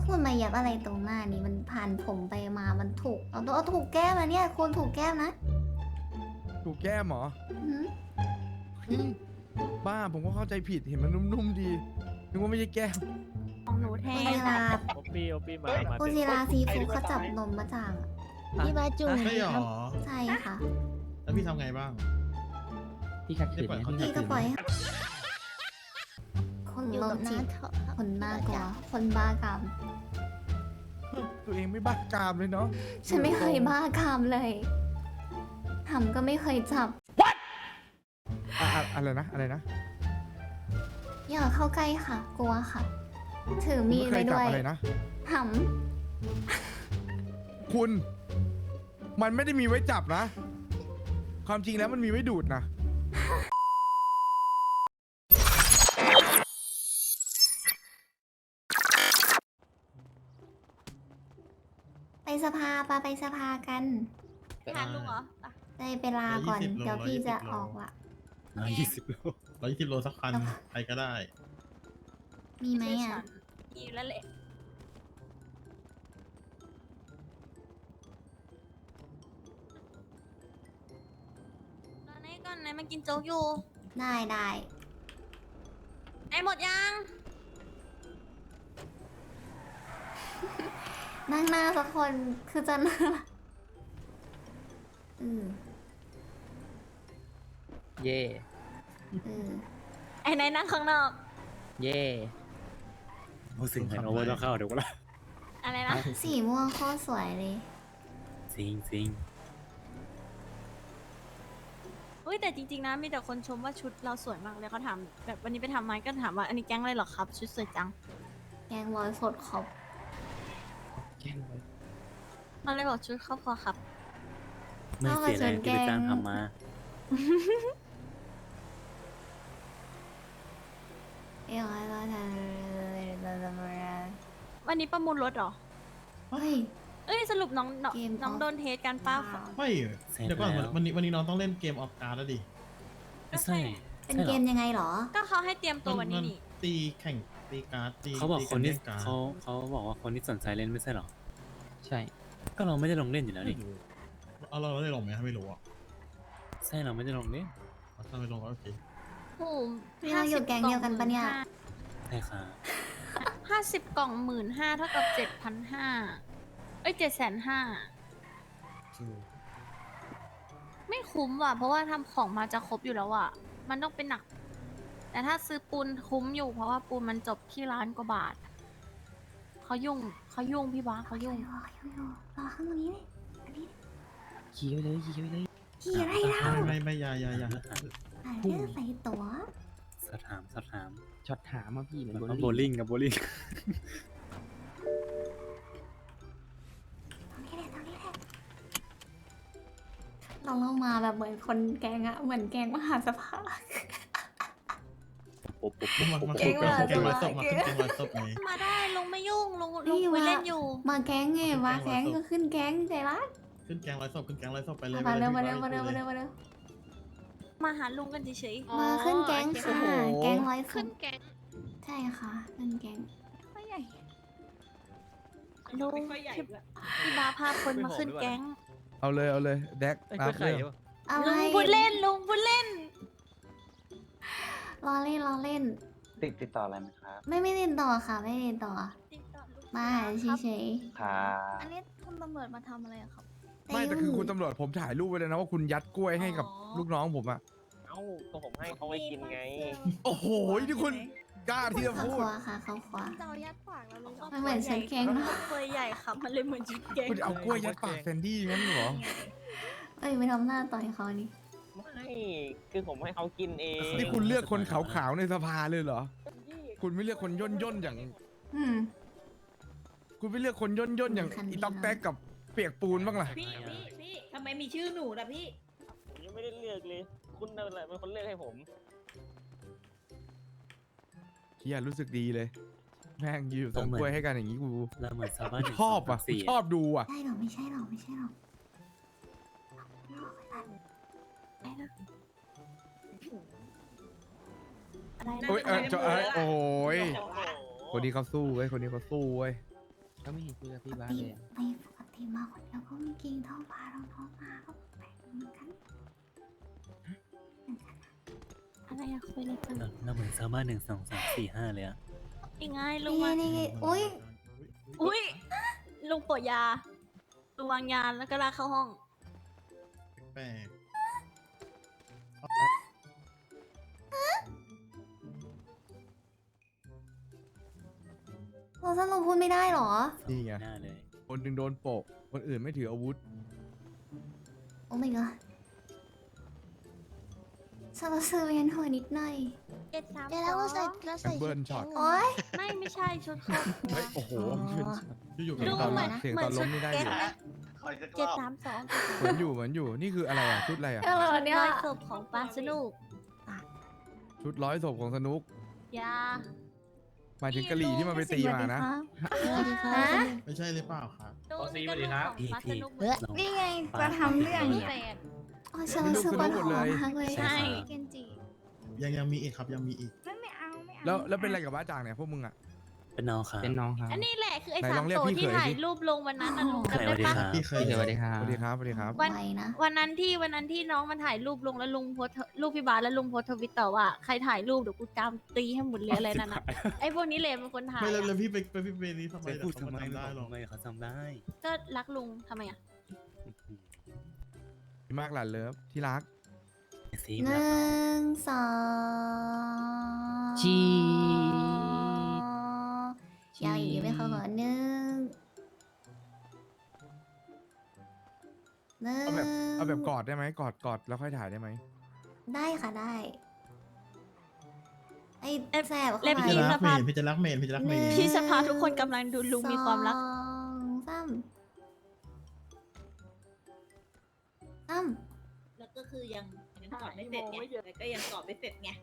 คุณมายับอะไรตรงหน้านี่มันผ่านผมไปมามันถูกเอาถูกแก้มนะเนี่ยคุณถูกแก้มนะถูกแก้มเหรออื้อหือเฮ้ยบ้าผมก็เข้าใจผิดเห็นมันนุ่มๆดีนึกว่าไม่ใช่แก้มของหนูแทคุณนศิลาโอปี้มาคุณศิลาซีฟู้ดเขาจับนมมาจากพี่มาจุ่มใช่หรอใช่ค่ะแล้วพี่ทำไงบ้างพี่ขัดขืนไหมพี่ขัพี่ดก็ขืนปไหมล่อยให้คนอยู่โรกัคบจิน้าตเถอะคนน่ากลัวคนบ้ากามตัวเองไม่บ้ากามเลยเนาะฉันไม่เคยบ้ากามเลยทำก็ไม่เคยจับอะไรนะอะไรนะอย่าเข้าใกล้ค่ะ กลัวค่ะ ถือมีดไม่เคไว้ยจับด้วยอะไรนะหคุณมันไม่ได้มีไว้จับนะ ความจริงแล้วมันมีไว้ดูดนะำไปสภาปะไปสภากันไปหาลุงเหรออ่ะได้ไปลาก่อน 120 เดี๋ยวพี่จะออกละ 120 โล 120 โลสักคัน ใครก็ได้มีไหมอ่ะมีอยู่แล้วแหละตอนนี้ก่อนไหนมากินโจ๊กอยู่ได้ได้ไอ้หมดยังนั่งหน้าสักคนคือจะน่าอือเย่อือไอ้ไหนนั่งข้างนอกเย่รู้สึกเหมือนโอเวอร์ต้องเข้าเดี๋ยวก็ละอะไรนะสีม่วงโคตรสวยเลยซิงซิงอุ้ยแต่จริงๆนะมีแต่คนชมว่าชุดเราสวยมากเลยเขาถามแบบวันนี้ไปทำไมก็ถามว่าอันนี้แก๊งอะไรเหรอครับชุดสวยจังแกงร้อยสดขอบแกล้งไว้เราเลยบอกชุดครอบครัวครับไม่เสียแรงที่ไปจ้างทำมาเอ้ยร้อยร้อยวันนี้ประมูลรถเหรอเฮ้ยเอ้ยสรุปน้องเกมน้องออฟโดนเทสกันป้าไม่เสร็จเดี๋ยวก่อนแล้ววันนี้น้องต้องเล่นเกมออฟการ์ดแล้วดิไม่ใช่เป็นเกมยังไงเหรอก็เขาให้เตรียมตัววันนี้นี่ตีแข่งตีการ์ดตีเขาบอกตีคนที่เล่การ์ดเขาบอกว่าคนที่สนใจเล่นไม่ใช่หรอใช่ก็เราไม่ได้ลงเล่นอยู่แล้วไม่นี่รู้เอาเราได้ลงไหมไม่รู้อ่ะใช่เราไม่ได้ลงเล่นถ้าไม่ลงก็โอเคโอ้โหนี่เราอยู่แก๊งเดียวกันปะเนี่ยใช่ค่ะ 50 กล่อง15,000เท่ากับ 7,500เอ้ย750,000ไม่คุ้มว่ะ เพราะว่าทำของมาจะครบอยู่แล้วอ่ะ มันต้องเป็นหนัก แต่ถ้าซื้อปูนคุ้มอยู่ เพราะว่าปูนมันจบที่ล้านกว่าบาท เขายุ่งพี่บ้าเขายุ่งรอข้างนี้เลยขี่ไปเลยขี่ไปเลยขี่อะไรเล่าไม่อยาอ่านเรื่องใส่ตั๋วสอบถามช็อตถามมาพี่เหมือนโบลิ่งกับโบลิ่งตรงนี้แหละเรามาแบบเหมือนคนแกงอะเหมือนแกงมหาสภามาเก่ขึ้นงแกว่ะงร้อยศพมาขึ้นแกงร้อยศพไงมาได้ลุงไม่ยุ่งลุงนี่คุยว่าเล่นอยู่มาแก๊งไงมาแก๊งก็ขึ้นแก๊งใจรักขึ้นแกงร้อยศพขึ้นแกงร้อยศพไปเลยมาเร็วไปมาลเร็ยวมาเร็วไปมาลเร็ยวมาเร็วมาหาลุงกันเฉยมาขึ้นแก๊งค่ะ แก๊งร้อยศขึ้นพแก๊งใช่ค่ะขึ้นแก๊งไม่ใหญ่ลุงพี่บ้าพาคนมาขึ้นแก๊งเอาเลยแดกไอ้ตากล้วยไข่เรื่องปะอะไรลุงพูดเล่นลุงพูดเล่นรอเล่นติดต่ออะไรไหมครับไม่เล่นต่อค่ะไม่เล่นต่อ มาเฉยครับอันนี้คุณตำรวจมาทำอะไรอะครับๆไม่แต่คือคุณตำรวจผมถ่ายรูปไว้เลยนะว่าคุณยัดกล้วยให้กับอ๋อลูกน้องผมอะเอ้าก็ผมให้เขาไปกินไงโอ้โหนี่คุณกล้าที่จะเขาพูขดวาค่ะเขาขวาจะเอายัดปากแล้วลุงมันเหมือนชุดแก๊งเนอะตัวใหญ่ครับมันเลยเหมือนชุดแก๊งคุณเอากล้วยยัดปากแซนดี้งั้นเหรอเอ้ยไปทำหน้าต่อยเขานี่ไม่คือผมให้เขากินเองนี่คุณเลือกคนขาวๆในสภาเลยเหรอ คุณไม่เลือกคนย่นๆอย่างอืมคุณไม่เลือกคนย่นๆอย่างคันนี้อีต๊อกแต๊กกับเปียกปูนบ้างล่ะพี่ทำไมมีชื่อหนูล่ะพี่ผมยังไม่ได้เลือกเลย คุณนั่นแหละเป็นคนเลือกให้ผมเฮียรู้สึกดีเลย แม่งอยู่ส่งกล้วยให้กันอย่างนี้กูเราเหมือนชาวบ้านชอบอ่ะกูชอบดูอ่ะใช่หรอไม่ใช่หรอกไม่ใช่หรอกอะไรนะโอ้ยโอ้ยโอ้โหคนนี้เขาสู้เว้ยคนนี้เขาสู้เว้ยก็ไม่เห็นคุยกับปพี่กบ้านติเลยอะไม่ปกติมาคนเดียวก็ไม่กินเท่าพาเราท้องมาก็แปลกเหมือนกันอะไรอะคุยอะไรกันเราเหมือนซาบ้า1 2 3 4 5เลยอะยังไงลุนี่งไงมานี่ไงอุ้ยอุ้ยลุงปวดยาลุงวางยาแล้วก็ลากเข้าห้องแปลกเราสรุปพูดไม่ได้เหรอนี่ไงหน้าเลยคนหนึ่งโดนโปะคนอื่นไม่ถืออาวุธโอ้ my god ฉันรู้สึกเวียนหัวนิดหน่อย 7 3 เดี๋ยวเราใส่เราใส่แอมเบิร์นช็อตโอ๊ยไม่ใช่ชุดครอบครัวเฮ้ยโอ้โหอยู่ๆเสียงลุงตอนเหมือนเสียงตอนล้มนี่ได้อยู่ 7 3 2 เหมือนอยู่นี่คืออะไรอ่ะชุดอะไรอ่ะอะไรวะเนี่ยร้อยศพของปลาสนุกชุดร้อยศพของสนุกยาหมายถึงกะหรี่ที่มันไปตีมานะสวัสดีครัฮะบไม่ใช่หรือเปล่าครับดูนี่ก็ลูกของปลาสนุกเหมือนลองนี่ไงจะทำเรื่องพิเนี่ยเศษอ๋อฉันรู้สึกปวดหัวมากเลยใช่เกนจิยังมีอีกครับยังมีอีกไม่เอาไม่เอาแล้วเป็นอะไรกับบ้าจ่างเนี่ยพวกมึงอ่ะเป็นน้องครับเป็นน้องครับอันนี้แหละคือไอ้ไหนสาลมองเรียกตัวพี่ที่เขยถ่ายสิรูปลงวันนั้นนะลุงสจำได้วัสดีปะครับพี่เคยสวัสดีครับสวัสดีครับสวัสดีครับไวนะวันนั้นที่น้องมันถ่ายรูปลงแล้วลุงโพสต์รูปพี่บาสแล้วลุงโพสต์ทวิตต่อว่าใครถ่ายรูปเดี๋ยวกูจามตีให้หมดเลยอะไรนั่นน่ะไอ้พวกนี้เลยเป็นคนถ่ายไม่แล้วอะพี่ไปนี่ทำไมไปพูดทำไมเขาจำได้หรอทำไมเขาจำได้ก็รักลุงทำไมอ่ะดีมากหลานเลิฟที่รักซีหมนึ่แล้วงสองชียาวอย่างนี้ไหมเขาก่อนหนึ่งเอาแบบกอดได้ไหมกอดแล้วค่อยถ่ายได้ไหมได้ค่ะได้ ไอ้แสบเข้าเล็บไปพี่จะรักสภาพพี่จะรักเมนพี่จะรักเมนพี่สภาทุกคนกำลังดูลุงมีความรักสองสามสามแล้วก็คือยังกอดไม่เสร็จไงแล้วก็ยังกอดไม่เสร็จไง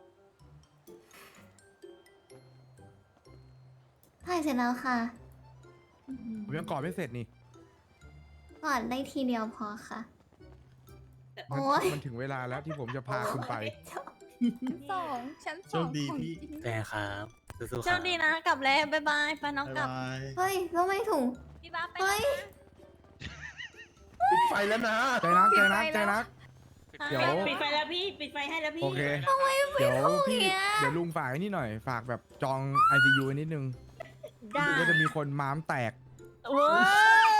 ถ่ายเสร็จแล้วค่ะผมยังกอดไม่เสร็จนี่ก่อนได้ทีเดียวพอค่ะมันโอ๊ยมันถึงเวลาแล้วที่ผมจะพาคุณไปชั้นโชสองคดีพี่แฟร์ครับสู้ๆโชครับคดีนะกลับแล้วบ๊ายบายไปน้องบ๊ายกลับบายเฮ้ยแล้วไม่ถุงพี่บ้าสไปเฮ้ยปิดไฟแล้วนะใจรักใจรักใจรัก เดี๋ยวปิดไฟแล้วพี่ ปิดไฟให้แล้วพี่โอเคเดี๋ยวพี่เดี๋ยวลุงฝากไอ้นี่หน่อยฝากแบบจอง ICU ไว้นิดนึงได้ก็จะมีคนม้ามแตกโว้ย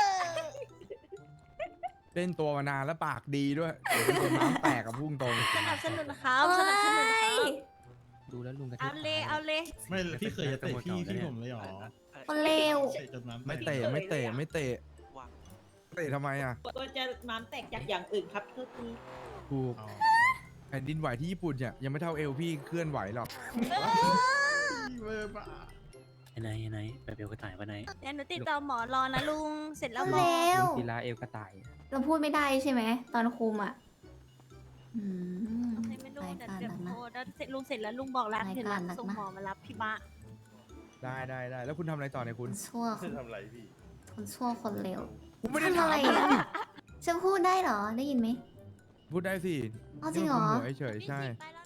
เล่นตัวมานานแล้วปากดีด้วยเดี๋ยวเป็นคนม้ามแตกกับพุ่งตรงสนับสนุนครับสนับสนุนครับดูแล้วลุงกระทืเอาบเลยเอาเลยไม่พี่เคยจะเตะพี่ผมเลยเหรอคนเลวเตะจนน้ำไม่เตะไม่เตะไม่เตะเตะทำไมอ่ะก็จะม้ามแตกจากอย่างอื่นครับทุกทีถูกอ๋อแผ่นดินไหวที่ญี่ปุ่นเนี่ยยังไม่เท่าเอวพี่เคลื่อนไหวหรอกเว้ยบ้าไหนไปเบลกระต่ายปะไหนเดี๋ยวหนูติดต่อหมอรอนะลุงเสร็จแล้วคนหมเลอวลุงกีฬาเอวกระต่ายเราพูดไม่ได้ใช่ไหมตอนคุมอ่ะอืมให้ไม่รู้รายเดี๋ยวการเดี๋ยวหนักนะโทรแล้วเสร็จลุงเสร็จแล้วลุงบอกแล้วรายเสร็จกาแล้รวหนักส่งนะหมอมารับพี่บะได้แล้วคุณทำอะไรต่อเนี่ยคุณชั่วคนทำอะไรพี่คนชั่วคนเลวผมไม่ได้ทำถามอะไรอ่ะฉันพูดได้เหรอได้ยินไหมพูดได้สิอ๋อจริงเหรอนี่มันคุมหัวเฉยๆใช่ไปแล้วนะ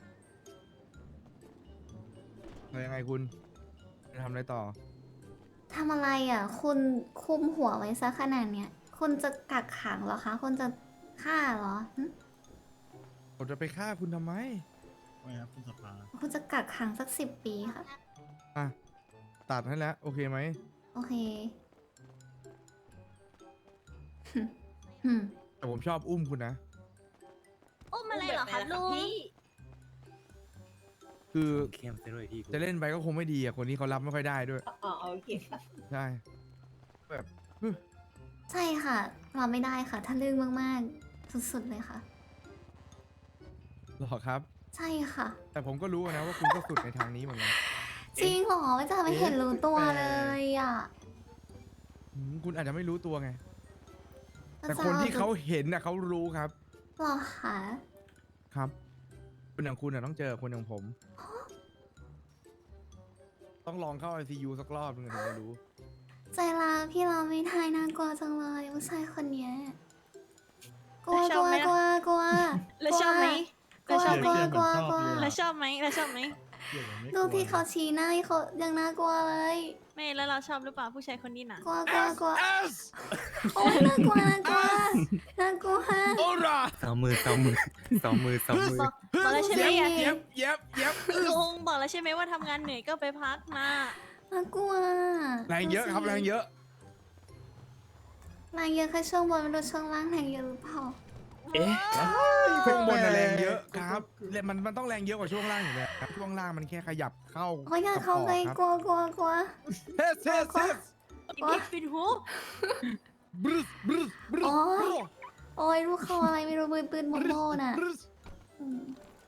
แล้วยังไงคุณจะทำอะไรต่อทำอะไรอ่ะ คุณคุมหัวไว้ซะขนาดเนี้ยคุณจะกักขังเหรอคะคุณจะฆ่าเหรอหึผมจะไปฆ่าคุณทำไมไม่ครับคุณสภาคุณจะกักขังสัก10 ปีค่ะอ่ะตัดให้แล้วโอเคไหมโอเคหึแต่ผมชอบอุ้มคุณนะอุ้มอะไรเหรอคะลุงพี่คือเข้มซะด้วยพี่จะเล่นไปก็คงไม่ดีอ่ะคนนี้เขารับไม่ค่อยได้ด้วยอ๋อโอเคค่ะใช่แบบใช่ค่ะรับไม่ได้ค่ะ ถ้าเรื่องมากๆ สุดๆเลยค่ะหรอครับใช่ค่ะแต่ผมก็รู้นะว่าคุณก็สุดในทางนี้เหมือนกันจริงเหรอไม่จะไม่เห็นรู้ตัวเลยอ่ะคุณอาจจะไม่รู้ตัวไงก็แต่จะคนที่เขาเห็นน่ะเขารู้ครับหรอคะครับคนอย่างคุณน่ะต้องเจอคนอย่างผม ต้องลองเข้า ICU สักรอบนึงถึงจะรู้ใจร้ายพี่เราไม่ทายน่ากลัวจังเลยผู้ชายคนเนี้ยกลัวแล้วชกอบลัวไหมกลัวกลัวแล้วชอบไหมกลัวแล้วชอบไหมกลัวกลัวกลัวแล้วชอบไหมแล้วชอบไหมดูที่เขาชี้หน้าเขายังน่ากลัวเลยไม่แล้วเราชอบหรือเปล่าผู้ชายคนนี้น่ะกลัวกลัวกลัว S โอ้ยน่ากลัวน่ากลัวน่ากลัวโอราสองมือสองมือสองมือสองมือบอกแล้วใช่ไหมเย็บเย็บเย็บลุงบอกแล้วใช่ไหมว่าทำงานเหนื่อยก็ไปพักนะน่ากลัวแรงเยอะครับแรงเยอะแรงเยอะแค่ช่วงบนไม่รู้ช่วงล่างแรงเยอะหรือเปล่าเอ๊ะช่วงบนน่ะแรงเยอะครับมันต้องแรงเยอะกว่าช่วงล่างอยู่แล้วครับช่วงล่างมันแค่ขยับเข้าโอ้ยอยากเข้าไปครับกลัวกลัวกลัวเทสเทสเทสปิดปิดหูบรึสบรึสบรึสโอ้ยโอ้ยลูกเขาอะไรไม่รู้ปืนโมโมน่ะบรึสอืม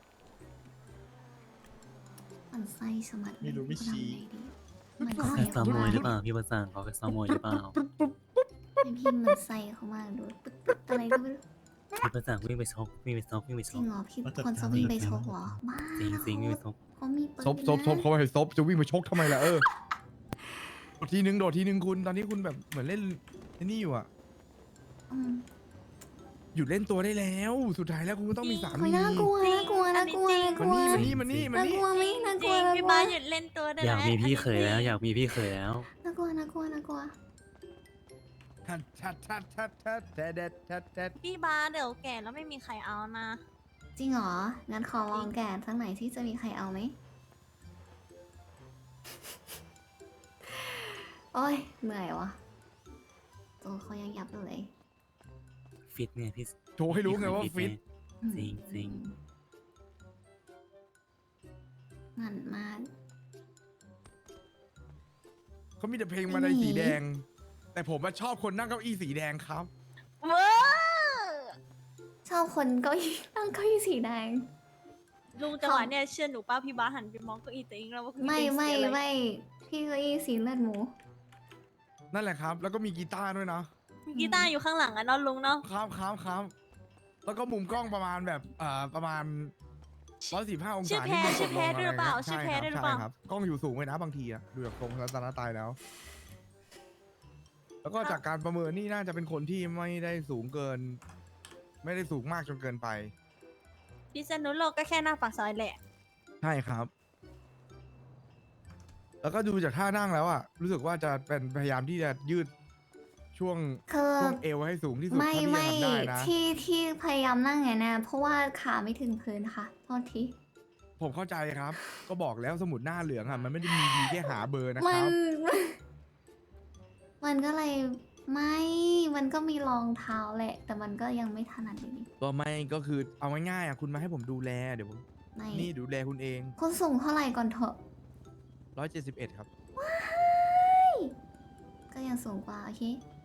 มันไส้สมัดไม่รู้ไม่ชี้มันเขาไส้แค่ซ้อเขามมมาวยกหรือเปล่าพี่ประสานเขาแค่ซ้อมมวยหรือเปล่าไม่พิมพ์มันไส้เขามากดูปึ๊ดปึ๊ดอะไรก็ไม่รู้พี่ประสานวิ่งไปชกวิ่งไปชกวิ่งไปจชริงกเหรอพี่คนจะวิ่งไปชกเหรอบ้าจริงจริงวิ่งไปชกเขามีปืนซบเขาไปซบจะวิ่งมาชกทำไมล่ะโดดทีนึงคุณตอนนี้คุณแบบเหมือนเล่นไอ้นี่อยู่อะอืมหยุดเล่นตัวได้แล้ว สุดท้ายแล้วคุณก็ต้องมีสาโอ้มียน่ากลัวน่ากลัวน่ากลัวน่ากลัวมันนี่น่ากลัวไหมน่ากจลัริวงน่ากพี่ลัวบ้าสหยุดเล่นตัวได้อยากแล้วมีพี่เคยแล้วอยากมีพี่เคยแล้วน่ากลัวน่ากลัวน่ากลัวชัดพี่บ้าสเดี๋ยวแก่แล้วไม่มีใครเอานะจริงเหรองั้นขอลองแกะสักหน่อยที่จะมีใครเอาไหมโอ้ยเหนื่อยวะตัวเขายังยับอยู่เลยฟิตเนี่ยพี่โชว์ให้รู้ไงว่าฟิตจริงจริงหมันมากเขามีแต่เพลงมาในสีแดง แต่ผมชอบคนนั่งเก้าอี้สีแดงครับเว้อชอบคนเก้าอี้นั่งเก้าอี้สีแดงลุงจังหวะเนี่ยเชื่อหนูป้าพี่บ้าสหันไปมองเก็อีตัวเองแล้วว่าคือไม่เป็นไม่เสียอะไรไม่พี่เก้าอี้สีเลือดหมูนั่นแหละครับ แล้วก็มีกีตาร์ด้วยนะมีกีตาร์อยู่ข้างหลังอะเนาะลุงเนาะครับแล้วก็มุมกล้องประมาณแบบประมาณ145 องชื่อศาแพรที่ชื่อแพรมืด้วยหรือเปล่าใช่ชื่อแพรครับด้วยหรือเปล่าใช่ครับกล้องอยู่สูงไว้นะบางทีอะดูจากทรงรัตนตายแล้ว แล้วก็จากการประเมินนี่น่าจะเป็นคนที่ไม่ได้สูงเกิน ไม่ได้สูงมากจนเกินไปพิษณุโลกก็แค่หน้าปากซอยแหละใช่ครับ แล้วก็ดูจากท่านั่งแล้วอะรู้สึกว่าจะเป็นพยายามที่จะยืดช่วงคือช่วงเอวให้สูงที่สุดไม่เท่าที่ไม่จะทำได้นะที่พยายามนั่งไงนะเพราะว่าขาไม่ถึงพื้นค่ะโทษทีผมเข้าใจครับ ก็บอกแล้วสมุดหน้าเหลืองอะมันไม่ได้มีดีแค่หาเบอร์นะคมัรับมันก็เลยไม่ มันก็มีรองเท้าแหละ แต่มันก็ยังไม่ถนัดอยู่ดีก็ไม่ก็คือเอาง่ายๆอะคุณมาให้ผมดูแลเดี๋ยวผมไม่นี่ดูแลคุณเองคุณสูงเท่าไหร่ก่อนเถอะ 171 ครับก็ยังสูงกว่าโอเค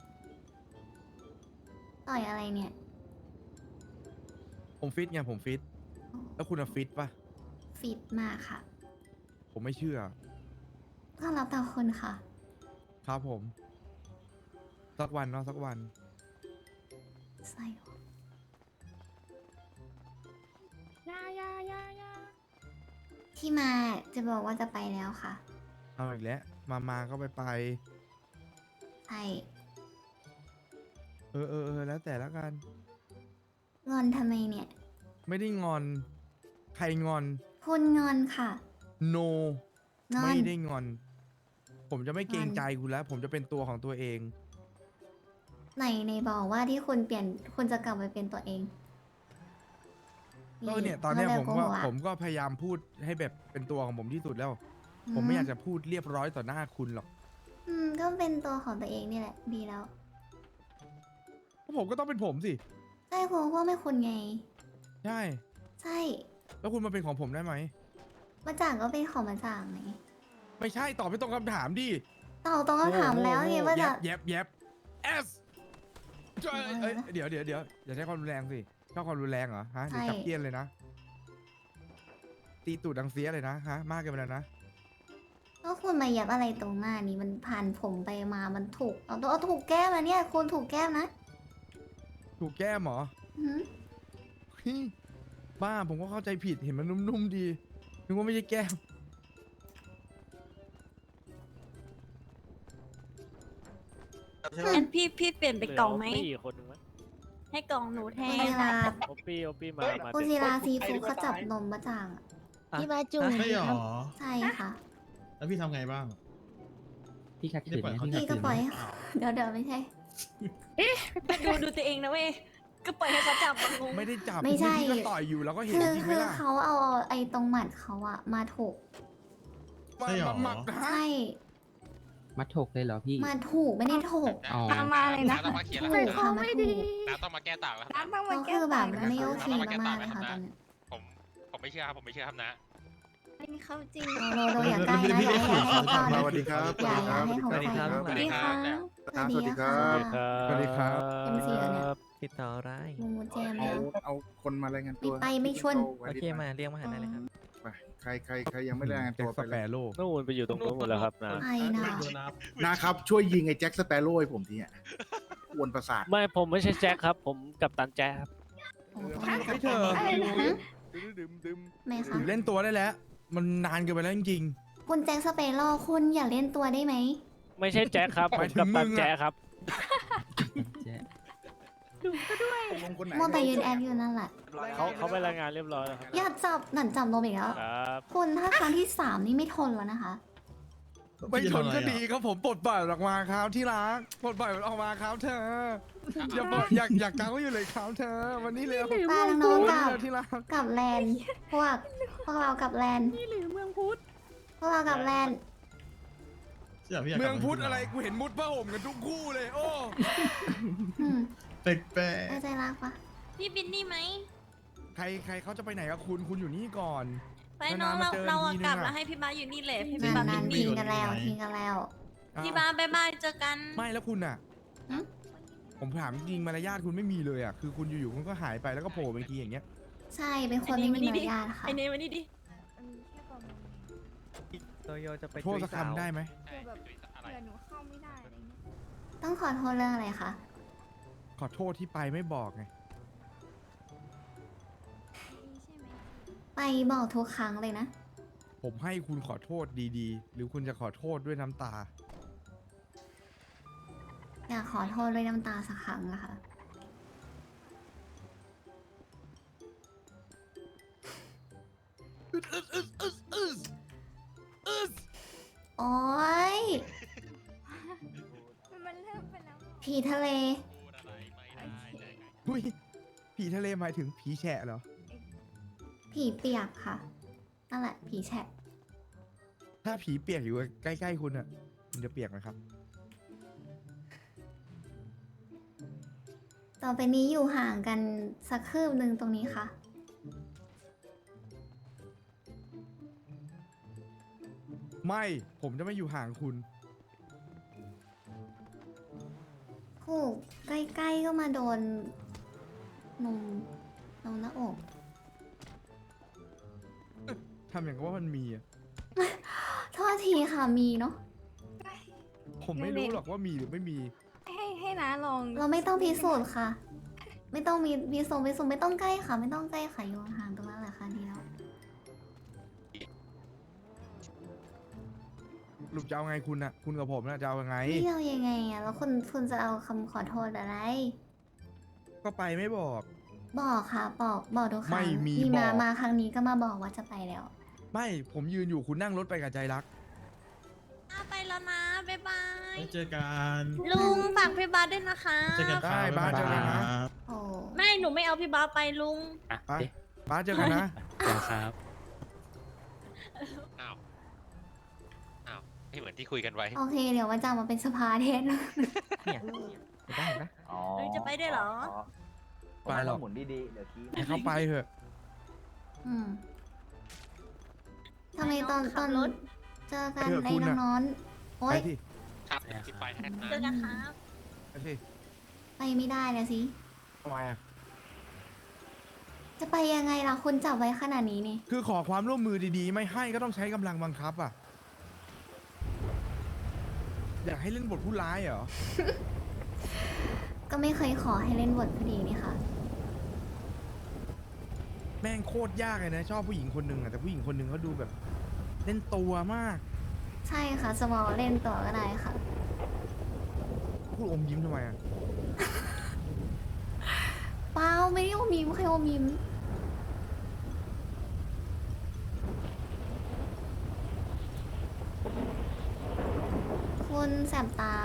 ต่อยอะไรเนี่ยผมฟิตไงผมฟิต แล้วคุณอะฟิตปะฟิตมากค่ะผมไม่เชื่อก็รับแต่คนค่ะครับผม สักวันเนาะสักวันใส่หัวยายายายาที่มาจะบอกว่าจะไปแล้วค่ะเอาอีกแล้วมาก็ไปใช่แล้วแต่ละกันงอนทำไมเนี่ยไม่ได้งอน ใครงอนคุณงอนค่ะ no งอนไม่ได้งอน ผมจะไม่เกรงใจคุณแล้ว ผมจะเป็นตัวของตัวเองในบอกว่าที่คุณเปลี่ยนคุณจะกลับไปเป็นตัวเองก็เนี่ยตอนเนี้ยขาผมเลยก็โหะผมก็พยายามพูดให้แบบเป็นตัวของผมที่สุดแล้ว ผมไม่อยากจะพูดเรียบร้อยต่อหน้าคุณหรอกก็เป็นตัวของตัวเองนี่แหละ ดีแล้วเพราะผมก็ต้องเป็นผมสิใช่คุณว่าไม่คุณไงใช่ใช่แล้วคุณมาเป็นของผมได้ไหมมาจ่างก็เป็นของมาจ่างไงไม่ใช่ตอบไม่ตรงคำถามดิตอบตรงคำถามแล้วไงว่าจะแยบS เดี๋ยวอย่าใช้ความรุนแรงสิชอบความรุนแรงเหรอฮะเดี๋ยวจับเกี้ยนเลยนะ ตีตูดดังเสียเลยนะฮะ มากเกินไปแล้วนะก็คุณมาเหยับอะไรตรงหน้านี้มันผ่านผมไปมามันถูกเอาถูกแก้มนะเนี่ยคุณถูกแก้มนะถูกแก้มเหรออืมเฮ้ยบ้าผมก็เข้าใจผิดเห็นมันนุ่มๆดีนึกว่าไม่ใช่แก้มงั้นพี่เปลี่ยนไปกล่องไหมเหลืปี้คนหนึงไหมให้กล่องหนูแทคุณนศิลาโอปี้มาคุณศิลาซีฟูเขาจับนมมาจ่างอะพี่บาจูใช่หรอใช่ค่ะแล้วพี่ทำไงบ้างพี่ขัดได้ขืนปล่อยไหมเขาพี่ขัดพี่ก็ขืนปไหมล่อยให้เดี๋ยวไม่ใช่ดูตัวเองนะเว้ย ก็ปล่อยให้เขาจับมันงงไม่ได้จับไม่ใช่พี่ก็ต่อยอยู่แล้วก็เห็นคือจริงไหมคือล่ะเขาเอาไอ้ตรงหมัดเขาอะมาถูกใช่หรอหมักนะใช่มัดถกเลยเหรอพี่มาถูกไม่ได้ถูกอ๋อตามมาเลยนะต้องมาเคลียร์ถูแล้วกค่ะมาถูกน้าต้องมาแก้ต่างแล้วครับน้ำต้องมาก็แก้คือแบบต่างมันไม่โอเคมากๆเลยค่ะตอนนี้ผมไม่เชื่อครับ ผมไม่เชื่อครับนะอันนี้เขาจริงโดอย่าใกล้นะอย่าให้เขาก่อนสวัสดีครับอย่าให้เขาสวัสดีครับสวัสดีค่ะสวัสดีค่ะสวัสดีครับเอ็มซีเนี่ยติดต่ออะไรมูเจมเนี่ยเอาคนมารายงานมีตัวไปไม่ชวนโอเคมาเรียกมาหาได้เลยครับไปใครยังไม่รายงานแจ็ตัคว สไปแปเลยโร่นู่นไปอยู่ตรงนู้นหมดแล้วครับนะไปนะนะครับช่วยยิงไอ้แจ็คสเปโร่ให้ผมทีอ่ะกวนประสาทไม่ผมไม่ใช่แจ็คครับ ผมกับตันแจ็คครับให้เธออะไรนะไม่หค่ะรือเล่นตัวได้แล้ว มันนานเกินไปแล้วจริงคุณแจ็คสเปโร่คุณอย่าเล่นตัวได้ไหมไม่ใช่แจ็คครับ ผมกับตันแจ็คครับแจ๊ลงคนไหนมัวแต่ยืนแอคอยู่นั่นแหละเขาไปรายงานเรียบร้อยแล้วครับอย่าจับหนันจับลมอีกแล้วครับคุณถ้าครั้งที่ 3 นี่ไม่ทนแล้วนะคะๆ ไม่ทนก็ดีครับผมปลดปล่อยออกมาครับที่รักปลดปล่อยมันออกมาครับเธอ อย่าบอกอยากกังไว้อยู่เลยครับเธอ วันนี้เร็วตาน้องวันกันี้บเร็วที่รักกับแลนด์พวกเรากับแลนด์นี่หรือเมืองพุทธพวกเรากับแลนด์เมืองพุทธอะไรกูเห็นมุดผ้าห่มกันทุกคู่เลย โอ้อืมแปลกเข้าใจรักปะพี่บินนี่ไหมใครเขาจะไปไหนกับคุณอยู่นี่ก่อนไปน้องนานๆมาเจอเราทีนึงกลับอะแล้วให้พี่บาสอยู่นี่แหละพี่นานบาสนานบิทิ้นงกันแล้วทิ้งกันแล้วพี่บาสบ๊ายบายเจอกันไม่แล้วคุณอ่ะหึผมถามจริงมารยาทคุณไม่มีเลยอ่ะ คือคุณอยู่ๆคุณก็หายไปแล้วก็โผล่ไปอีกทีอย่างเงี้ยใช่เป็นคนไม่มีมารยาทค่ะไอเนวันนี้ดิอันนี้แค่ประมาณนี้โตโยจะไปโทษสักคำได้ไหมคือแบบเผื่อหนูเข้าไม่ได้อะไรเงี้ยต้องขอโทษเรื่องอะไรคะขอโทษที่ไปไม่บอกไงนี่ใช่ไหมไปบอกทุกครั้งเลยนะผมให้คุณขอโทษดีๆ หรือคุณจะขอโทษด้วยน้ำตาอยากขอโทษด้วยน้ำตาสักครั้งนะคะ โอ๊ยมันเริ่มไปแล้วผีทะเลอุ้ย ผีทะเลหมายถึงผีแฉะเหรอผีเปียกค่ะ นั่นแหละ ผีแฉะถ้าผีเปียกอยู่ใกล้ๆคุณอ่ะคุณจะเปียกไหมครับต่อไปนี้อยู่ห่างกันสักคืบหนึ่งตรงนี้ค่ะไม่ ผมจะไม่อยู่ห่างคุณคู่ใกล้ๆก็มาโดนนมหน้าอกทำอย่างกับว่ามันมีอ่ะโทษทีค่ะมีเนาะผมไม่รู้หรอกว่ามีหรือไม่มีให้น้าลองเราไม่ต้องพิสูจน์ค่ะ ไม่ต้องมีพิสูจน์ไม่ต้องใกล้ค่ะ ไม่ต้องใกล้ค่ะอยู่ห่างๆตรงนั้นแหละค่ะดีแล้วหลุดจะเอาไงคุณอ่ะ คุณกับผมน่ะจะเอายังไงนี่เรายังไงอ่ะแล้วคุณจะเอาคำขอโทษอะไรก็ไปไม่บอกบอกค่ะบอกทุกครั้งไม่มีมาบอกมาครั้งนี้ก็มาบอกว่าจะไปแล้วไม่ ผมยืนอยู่คุณนั่งรถไปกับใจรักไปแล้วนะบ๊ายบายๆไม่เจอกันลุงฝากพี่บาสด้วยนะคะเจอกันครับได้บ้านเจอกันนะครับโอ้ไม่หนูไม่เอาพี่บาสไปลุงอ่ะไปเอ๊ะป้าเจอกันนะเดี๋ยวครับอ้าว อ้าว ไม่เหมือนที่คุยกันไว้โอเค เดี๋ยววันจันทร์มาเป็นสภาแทนเนี่ยเห็นปะเห็นปะเฮ้ยจะไปด้วยเหรอไปหรอกหมุนดีๆเดี๋ยวขี้ให้เขาไปเถอะอืมทำไมตอนขับรถเจอกันไปเถอะในคุณน่ะน้อนโอ๊ไปยที่ครับเดี๋ยวคิดไปให้นะเจอกันครับไปที่ไปไม่ได้นะสิทำไมอ่ะจะไปยังไงล่ะคุณจับไว้ขนาดนี้นี่คือขอความร่วมมือดีๆ ไม่ให้ก็ต้องใช้กำลังบังคับอ่ะ อยากให้เล่นบทผู้ร้ายเหรอก็ไม่เคยขอให้เล่นบทพอดีนี่ค่ะแม่งโคตรยากเลยนะ ชอบผู้หญิงคนหนึ่งอ่ะแต่ผู้หญิงคนหนึ่งเขาดูแบบ เล่นตัวมากใช่ค่ะสมอลเล่นต่อก็ได้ค่ะพูดอมยิ้มทำไมอ่ะเปล่าไม่ได้โอมิมใครโอมิม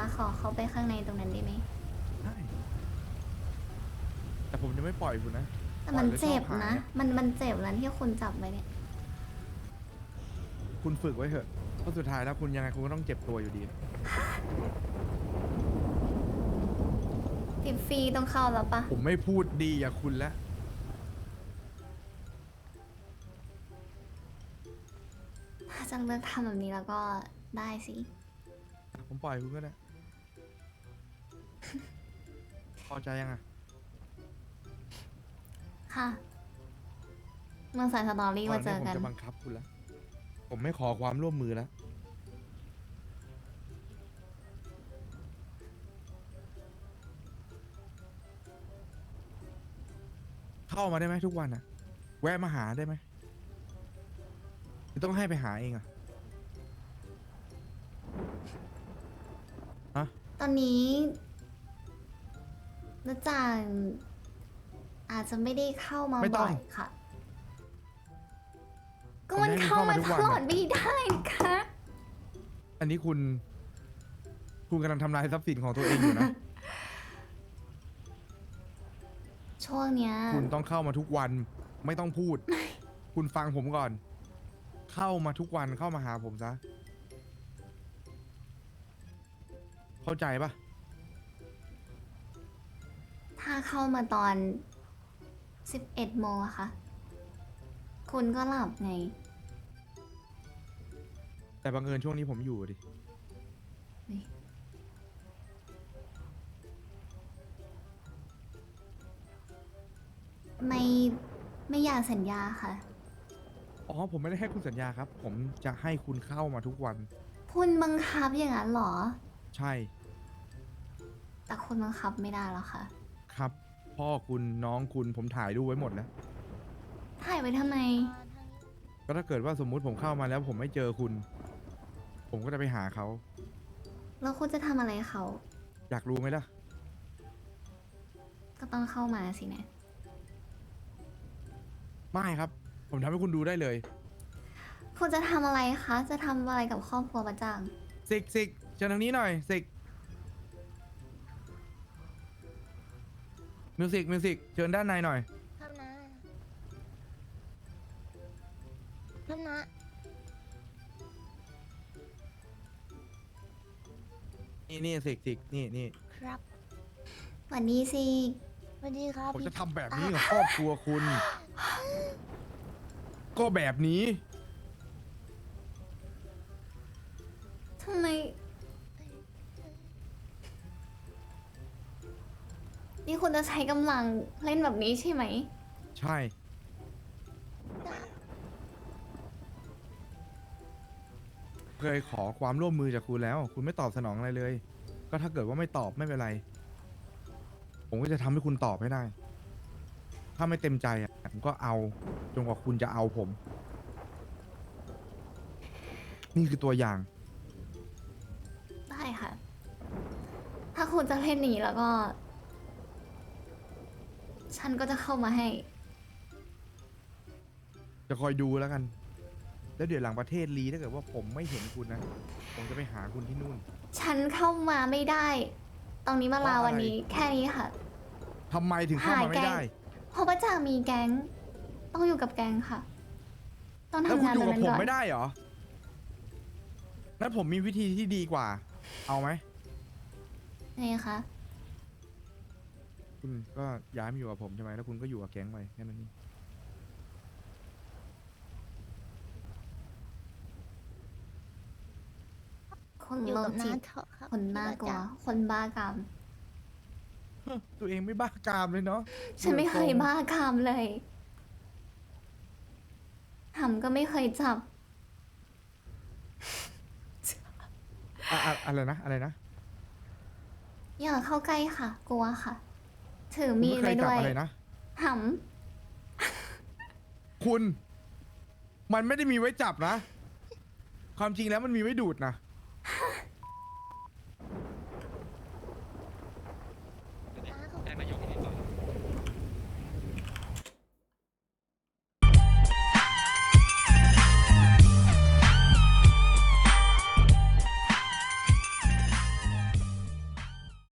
ขอเข้าไปข้างในตรงนั้นได้ไหมได้แต่ผมจะไม่ปล่อยคุณนะแต่มันเจ็บปล่อยนะแล้วชอบหายมันเจ็บแล้วที่คุณจับไว้เนี่ยคุณฝึกไว้เถอะเพราะสุดท้ายแล้วคุณยังไงคุณก็ต้องเจ็บตัวอยู่ดีติดฟรีต้องเข้าแล้วปะผมไม่พูดดีอย่างคุณแล้วถ้าจะเลือกทำแบบนี้แล้วก็ได้สิผมปล่อยคุณก็ได้ พอใจยังอ่ะค่ะเมื่อสายสตอรี่มาเจอผมกันจะบังคับคุณแล้ว ผมไม่ขอความร่วมมือแล้ว เข้ามาได้ไหมทุกวันอ่ะ แวะมาหาได้ไหมหรือต้องให้ไปหาเองอ่ะตอนนี้นะจางอาจจะไม่ได้เข้ามาไม่ต้บ่องอยค่ะ ก็ผมมันให้คุณเข้ามาเข้ามาทุกตวันลอดอะไม่ได้นะคะอันนี้คุณกำลังทำลายทรัพย์สินของตัวเองอยู่นะช่วงเนี้ยคุณต้องเข้ามาทุกวันไม่ต้องพูด คุณฟังผมก่อน เข้ามาทุกวันเข้ามาหาผมซะ เข้าใจปะถ้าเข้ามาตอน 11 โมงอะค่ะคุณก็หลับไงแต่บังเอิญช่วงนี้ผมอยู่ดิไม่อยากสัญญาค่ะอ๋อผมไม่ได้ให้คุณสัญญาครับ ผมจะให้คุณเข้ามาทุกวันคุณบังคับอย่างนั้นเหรอใช่แต่คุณบังคับไม่ได้หรอกค่ะครับ พ่อคุณน้องคุณผมถ่ายรูปไว้หมดแล้วถ่ายไว้ทำไมก็ถ้าเกิดว่าสมมุติผมเข้ามาแล้วผมไม่เจอคุณ ผมก็จะไปหาเขาแล้วคุณจะทำอะไรเขาอยากรู้ไหมล่ะก็ต้องเข้ามาสินะไม่ครับ ผมทำให้คุณดูได้เลยคุณจะทำอะไรคะ จะทำอะไรกับครอบครัวประจังสิกเชิญทางนี้หน่อยสิกมิวสิกเชิญด้านในหน่อยครับนะนี่สิกนี่ครับสวัสดีสิสวัสดีครับผมจะทำแบบนี้กับครอบครัวคุณ ก็แบบนี้ทำไม นี่คุณจะใช้กำลังเล่นแบบนี้ใช่ไหมใช่ เคยขอความร่วมมือจากคุณแล้ว คุณไม่ตอบสนองอะไรเลย ก็ถ้าเกิดว่าไม่ตอบไม่เป็นไร ผมก็จะทำให้คุณตอบให้ได้ ถ้าไม่เต็มใจอ่ะผมก็เอาจนกว่าคุณจะเอาผม นี่คือตัวอย่างได้ค่ะ ถ้าคุณจะเล่นหนีแล้วก็ ฉันก็จะเข้ามาให้จะคอยดูแล้วกัน แล้วเดี๋ยวหลังประเทศลีถ้าเกิดว่าผมไม่เห็นคุณนะ ผมจะไปหาคุณที่นู่นฉันเข้ามาไม่ได้ ตรงนี้มาลาเพราะอะไรวันนี้ แค่นี้ค่ะทำไมถึงเข้ามาไม่ได้เพราะประจังมีแก๊ง ต้องอยู่กับแก๊งค่ะ ต้องแล้วทำคุณงานอยู่ตรงกับนั้นผมก่อนไม่ได้เหรอ งั้นผมมีวิธีที่ดีกว่า เอาไหมไงคะคุณก็ย้ายมาอยู่กับผมใช่ไหมแล้วคุณก็อยู่กับแก๊งไปแค่นั้นเองคนอยู่โรกัคบจิน้าตเถอะครับคนน่ากลัวพี่ประจักษ์คนบ้ากามตัวเองไม่บ้ากามเลยเนาะฉันไม่เคยบ้ากามเลยหำก็ไม่เคยจับอะไรนะ อะไรนะอย่าเข้าใกล้ค่ะ กลัวค่ะ ถือคุณมีดไม่เคไว้ยจับด้วยอะไรนะหคุณ มันไม่ได้มีไว้จับนะ ความจริงแล้วมันมีไว้ดูดนะ